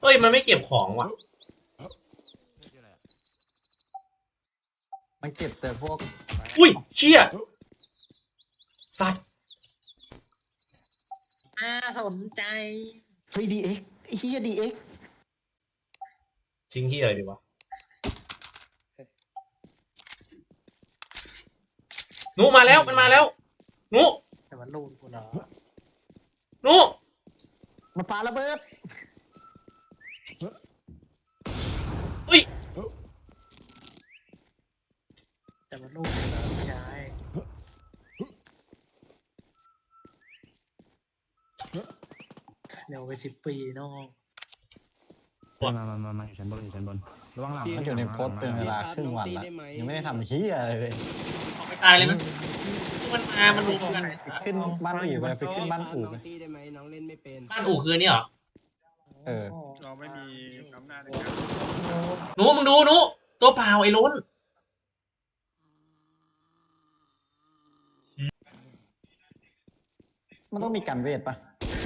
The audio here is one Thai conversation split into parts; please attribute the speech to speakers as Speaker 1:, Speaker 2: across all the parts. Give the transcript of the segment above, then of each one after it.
Speaker 1: ฮ้ยมันไม่เก็บของว่ะ
Speaker 2: มันเก็บแต่พวก
Speaker 1: อุ้ยเชี่ยสัตว์
Speaker 3: สนใจ
Speaker 2: เฮ้ยดีเอ็กเฮียดีเอ็ก
Speaker 1: ทิ้งที่อะไรดีวะหนูมาแล้วมันมาแล้วหนู
Speaker 3: แต่มันลูนกูเหรอ
Speaker 1: หนู
Speaker 2: มันปาระเบิด
Speaker 1: อุ้ย
Speaker 3: แต่มันลูนกูเหรอพี่ชายเร็วไป10 ปีน้อง
Speaker 4: มาอยู่ชั้นบนอยู่ชั้นบนระวังหลัง
Speaker 2: มันอยู่ในโพสต์เป็นเวลาครึ่งวันละยังไม่ได้ทำเฮียอะไรเลย
Speaker 1: ออกไปตายเลยมันมันรู้กัน
Speaker 2: ขึ้นบ้านอู่ไปขึ้นบ้านอู่ไป
Speaker 5: ตีได้ไหมน้องเล่นไม่เป็น
Speaker 1: บ้านอู่คือนี่เหรอ
Speaker 2: เออ
Speaker 6: เราไม่มีอำนาจในการ
Speaker 1: หนูมึงดูหนูตัวเปล่าไอ้ล้น
Speaker 2: มันต้องมีการเวทปะ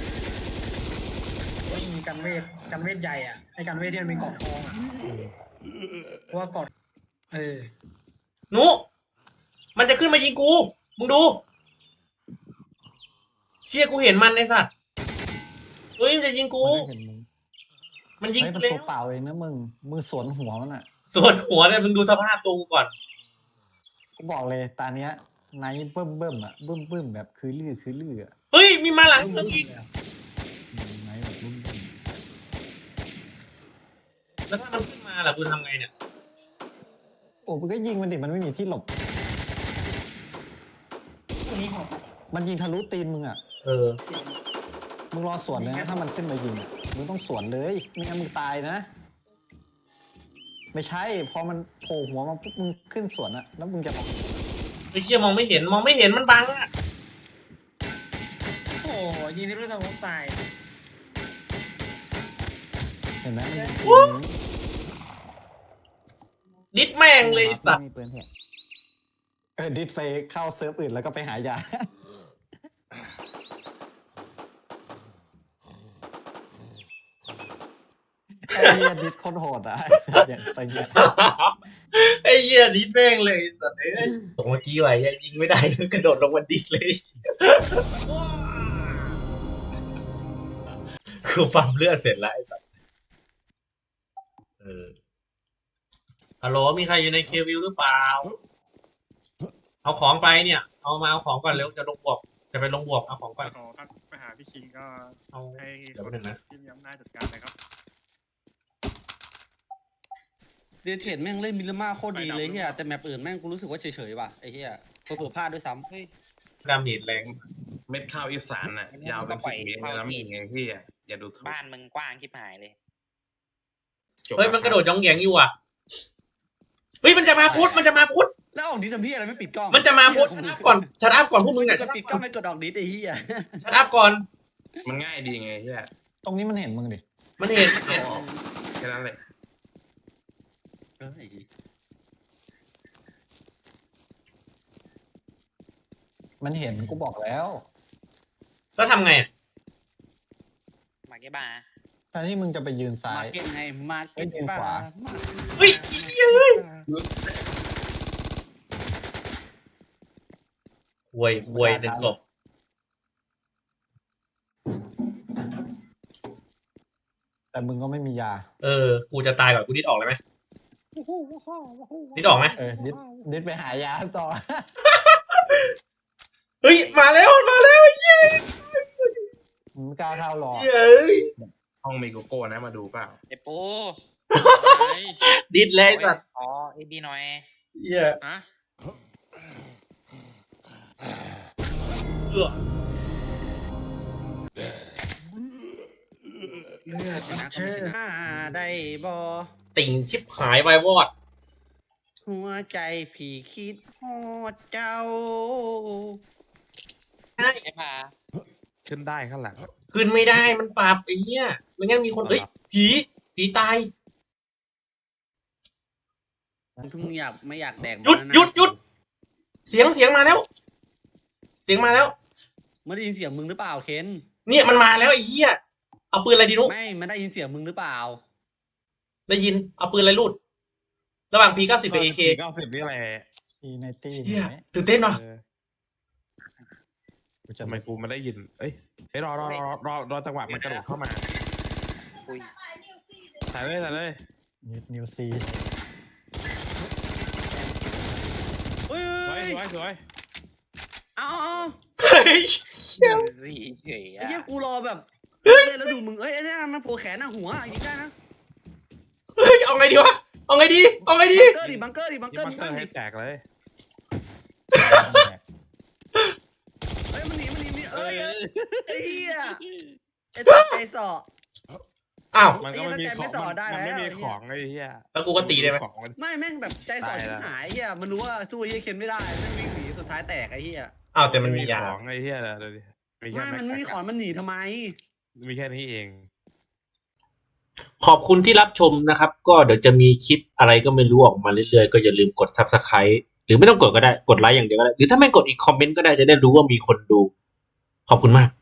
Speaker 3: ไม่มีกันเวทใหญ่อ่ะไอ้กันเวทที่มันมีกอดทองอ่ะเพราะว่ากอด
Speaker 1: หนูมันจะขึ้นมายิงกูมึงดูเชี่ยกูเห็นมันไอ้สัตว์เฮ้ยมันจะยิงกู
Speaker 2: มันไม่เห็นมึง
Speaker 1: มันยิง
Speaker 2: เฮ้ย
Speaker 1: กู
Speaker 2: มัน
Speaker 1: แล้
Speaker 2: ตัว วเปล่าเองนะมึงสวนหัวมันอ่ะ
Speaker 1: ส่วนหัวเนี่ยมึงดูสภาพตัวกูก่อน
Speaker 2: กูบอกเลยตาเนี้ยไนท์เบิ่มอ่ะเบิ่มแบบคือลืออ่ะ
Speaker 1: เฮ้ยมีมาหลังมึงอีก
Speaker 2: ไนท์แบบบึ้ม
Speaker 1: แล้วถ้ามันขึ้นมาล่ะกูทำไงเนี่ย
Speaker 2: โอ้มึงก็ยิงมันดิมันไม่มีที่หลบ มันยิงทะลุตีนมึงอ่ะ
Speaker 1: เออ
Speaker 2: มึงรอสวนเลยนะถ้ามันขึ้นมายิงอะมึงต้องสวนเลยไม่งั้นมึงตายนะ ไม่ใช่พอมันโผล่หัวมาปุ๊บมึงขึ้นสวนอะแล้วมึงจะ
Speaker 1: ไอ้เชี่ยมองไม่เห็นมันบังอ่ะ
Speaker 3: โอ้โหยิงที่รู้สมองตาย
Speaker 2: เห็นไหมมันยิง
Speaker 1: ดิดแม่งเลยไอ้สัตว์
Speaker 4: มีปืนเหี้ย
Speaker 2: ดิสไปเข้าเซิร์ฟอื่นแล้วก็ไปหายาไอ้เหี้ยดิสโคนโหดอ่ะอย่างตะเกียบ
Speaker 1: ไอ้เหี้ยดิดแม่งเลยไอ้สัตว์เอ้ยตกเมื่อกี้ไว้ยิงไม่ได้กระโดดลงมาดิดเลยคือปั๊มเลือดเสร็จแล้วไอ้สัตว์ฮัลโหลมีใครอยู่ในเควิวหรือเปล่าเอาของไปเนี่ยเอาของก่อนเร็วจะลงบวกจะไปลงบวกเอาของก่อน
Speaker 6: ขอทักไปหาพี่คิงก็
Speaker 1: เอา
Speaker 6: ให้
Speaker 1: เดี๋ยวแป๊บนึงนะ
Speaker 6: ที่มีอำนาจจัดการนะครับ
Speaker 5: เดเทรดแม่งเล่นมิลลิมาโคตรดีเลยเฮียแต่แมปอื่นแม่งกูรู้สึกว่าเฉยๆว่ะไอ้เฮียเผื่อๆพลาดด้วยซ้ำเฮ้ย
Speaker 1: ดาเมจแรง
Speaker 7: เม็ดข้าวอีสานน่ะ ยาวเป็น10 เมตรแล้วมีไงพี่อ่ะอย่าดูถูก
Speaker 8: บ้านมึงกว้างชิบหายเลย
Speaker 7: จบ
Speaker 1: เฮ้ยมันกระโดดย่องแยงอยู่อ่ะเฮ้ยมันจะมาพุทธ
Speaker 5: แล้วออกดิสทำพี่อะไรไม่ปิดกล้อง
Speaker 1: มันจะมาพุทธชัดอัพก่อนพวกมึงเนี่ย
Speaker 5: จะปิดกล้องไม่กดออกดิสไอ้เฮีย
Speaker 1: ชัดอัพก่อน
Speaker 7: มันง่ายดีไงเฮีย
Speaker 2: ตรงนี้มันเห็นมึงดิ
Speaker 1: มันเห็น
Speaker 7: เอาออกแค่นั้นเลย
Speaker 5: เฮ้ย
Speaker 2: มันเห็นกูบอกแล้ว
Speaker 1: แล้วทำไงอะ
Speaker 8: มาเก็บา
Speaker 2: แทนที่มึงจะไปยืนซ้า
Speaker 5: มาย เก็ตไงมาเก็ต
Speaker 2: เอ้ยขวา
Speaker 1: เฮ้ยอีเหี้ยเฮ้ยห่วยหนึ่งศพ
Speaker 2: แต่มึงก็ไม่มียา
Speaker 1: กูจะตายก่อนกูดิดออกเลยไหมดิดออกไหม
Speaker 2: ดิสไปหายาต่อ
Speaker 1: เฮ้ยมาแล้วเย้
Speaker 2: มึงไม่กล้าเข้ารอ
Speaker 1: เย้ย
Speaker 7: ห้องมีโกโก้นะมาดูเปล่า
Speaker 8: เจ็บปู
Speaker 1: ดิดเลยสัตว์
Speaker 8: อ๋อเอบีหน่อย
Speaker 1: เย้ย
Speaker 6: ฮะ
Speaker 1: เอื้อ
Speaker 3: เลือด
Speaker 5: นะ
Speaker 3: เชื่อ
Speaker 5: ได้บอ
Speaker 1: ติ่งชิบหายไวายวอด
Speaker 5: หัวใจพี่คิดฮอดเจ้า
Speaker 8: เก็บา
Speaker 4: ขึ้นได้ข้างหลัง
Speaker 1: ขึ้นไม่ได้มันปรับไอ้เหี้ยไม่งั้นมีคนผีตาย
Speaker 5: เพิ่งไม่อยากแดก
Speaker 1: หยุด เสียงมาแล้ว
Speaker 5: ไม่ได้ยินเสียงมึงหรือเปล่าเคน
Speaker 1: เนี่ยมันมาแล้วไอ้เหี้ยเอาปืนอะไรดีนุ๊ก
Speaker 5: ไม่มันได้ยินเสียงมึงหรือเปล่า
Speaker 1: ได้ยินเอาปืนอะไรรูด ระหว่าง P90 กับ AK
Speaker 4: 90นี่แหละ
Speaker 2: อีในตี้
Speaker 1: เชี่ย
Speaker 2: ไหม
Speaker 1: ตื่นเต้นว่ะ
Speaker 4: เออ
Speaker 2: กูจะ
Speaker 4: ทำไมกูมันได้ยิน เอ้ยเอ้ยรอจังหวะมันกระโดดเข้ามา
Speaker 8: อุ้ย
Speaker 4: ถ่ายเลย
Speaker 2: นิวซี
Speaker 5: เฮ้
Speaker 4: สวย
Speaker 5: ยเอา
Speaker 1: เฮ้ย
Speaker 8: สี่เฉย
Speaker 5: ไอ้เหี้ย
Speaker 8: อะ
Speaker 5: กูรอแบบเล่นแล้วดูมึงเอ้ยไอ้เนี่ยมันโผล่แขนหน้าหัวยิงได้นะ
Speaker 1: เฮ้ยเอาไงดีวะเอาไงดีเอาไงดี
Speaker 5: บังเกอร์ดิ
Speaker 4: ๆ
Speaker 5: มึง
Speaker 4: นี่มันเตอ
Speaker 5: ตั้ง
Speaker 4: ร์
Speaker 5: ดิ
Speaker 4: ให้แตกเลย
Speaker 5: เฮ้ยมันหนีเอ้ย
Speaker 4: เอ้ย
Speaker 5: ไอ้เหี้ยไอ้ตัดใจสอ
Speaker 1: อ้าว
Speaker 4: มันก็ไม่มีของ
Speaker 5: ไอ้เหี้ยถ้าใจไม่สอดได้
Speaker 4: มันไม่
Speaker 5: แล้ว
Speaker 4: มีของไอ้เหี้ย
Speaker 1: แล้วกูก็ตีได้ไหม
Speaker 4: ของมัน
Speaker 5: ไม่แม่งแบบใจสอด
Speaker 4: ตาย
Speaker 5: ชิ
Speaker 4: ละ
Speaker 5: บหายเหี้ยมันรู้ว่าสู้ไอ้เหี้ยเคนไม่ได้แม่งวิ่งหนีสุดท้ายแตกไอ้เหี้ย
Speaker 1: อ้าวแต่มันมียา
Speaker 4: ของไอ้เหี้ยเลยดูดิมีแค่
Speaker 5: ไม่มันไม่มีขอนมันหนีทำไม
Speaker 4: มีแค่นี้เอง
Speaker 1: ขอบคุณที่รับชมนะครับ ก็เดี๋ยวจะมีคลิปอะไรก็ไม่รู้ออกมาเรื่อยๆ ก็อย่าลืมกด Subscribe หรือไม่ต้องกดก็ได้ กดไลค์อย่างเดียวก็ได้ หรือถ้าไม่กดอีกคอมเมนต์ก็ได้จะได้รู้ว่ามีคนดู ขอบคุณมาก